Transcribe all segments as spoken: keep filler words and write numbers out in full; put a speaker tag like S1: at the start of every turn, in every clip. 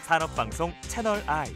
S1: 산업방송 채널 I.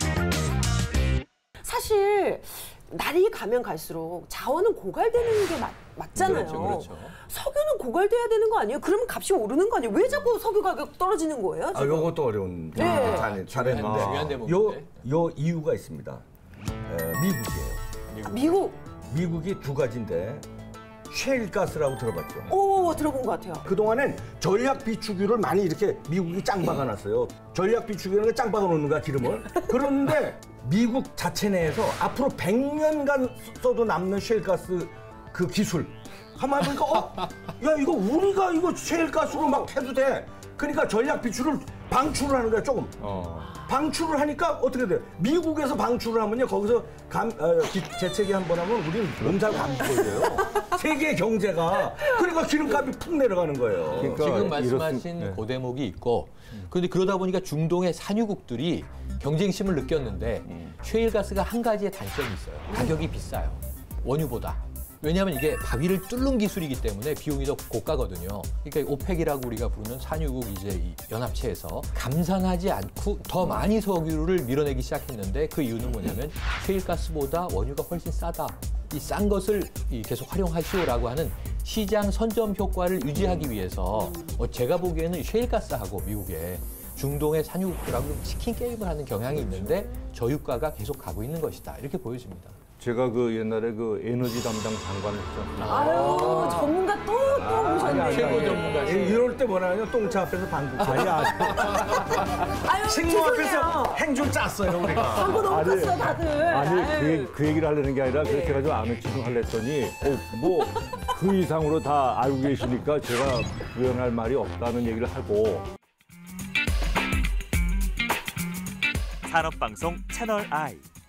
S2: 사실 날이 가면 갈수록 자원은 고갈되는 게 맞, 맞잖아요.
S3: 그렇죠, 그렇죠.
S2: 석유는 고갈돼야 되는 거 아니에요? 그러면 값이 오르는 거 아니에요? 왜 자꾸 석유 가격 떨어지는 거예요?
S4: 아,
S2: 지금?
S4: 요것도 어려운
S2: 네.
S4: 잘, 잘했는데
S3: 중요한 대목인데.
S4: 요, 요 이유가 있습니다. 에, 미국이에요.
S2: 아, 미국.
S4: 미국이 두 가지인데 셰일가스라고 들어봤죠.
S2: 오, 들어본 것 같아요.
S4: 그동안엔 전략 비축유를 많이 이렇게 미국이 짱 박아놨어요. 전략 비축유는 짱 박아놓는 거야, 기름을. 그런데 미국 자체 내에서 앞으로 백 년간 써도 남는 셰일가스 그 기술. 가만히 보니까 어? 야, 이거 우리가 이거 셰일가스로 막 해도 돼. 그러니까 전략 비축을 방출을 하는 거야, 조금.
S3: 어.
S4: 방출을 하니까 어떻게 돼요? 미국에서 방출을 하면요, 거기서 감, 어, 기, 재채기 한 번 하면 우리는 몸살 감기 걸려요. 세계 경제가. 그러니까 기름값이 푹 내려가는 거예요.
S3: 그러니까 지금 말씀하신 네. 그 대목이 있고, 그런데 그러다 보니까 중동의 산유국들이 경쟁심을 느꼈는데 음. 셰일가스가 한 가지의 단점이 있어요. 가격이 비싸요. 원유보다. 왜냐하면 이게 바위를 뚫는 기술이기 때문에 비용이 더 고가거든요. 그러니까 오펙이라고 우리가 부르는 산유국 이제 이 연합체에서 감산하지 않고 더 많이 석유를 밀어내기 시작했는데 그 이유는 뭐냐면 셰일가스보다 원유가 훨씬 싸다. 이 싼 것을 계속 활용하시오라고 하는 시장 선점 효과를 유지하기 위해서 제가 보기에는 셰일가스하고 미국의 중동의 산유국들하고 치킨 게임을 하는 경향이 있는데 저유가가 계속 가고 있는 것이다. 이렇게 보여집니다.
S5: 제가 그 옛날에 그 에너지 담당 장관을 했었는데
S2: 아유, 전문가 또, 또 오셨네.
S3: 최고 전문가.
S4: 이럴 때 뭐라냐, 똥차 앞에서 방구. 아니,
S2: 아유,
S4: 식모 앞에서 행주 짰어요, 우리가.
S2: 광고 너무 컸어, 다들.
S5: 아니 그,
S2: 아유.
S5: 얘기- 그 얘기를 하려는 게 아니라 그렇게 해가지고 아는 척을 하려 했더니 어, 뭐 그 이상으로 다 알고 계시니까 제가 부연할 말이 없다는 얘기를 하고
S1: 산업방송 채널 I.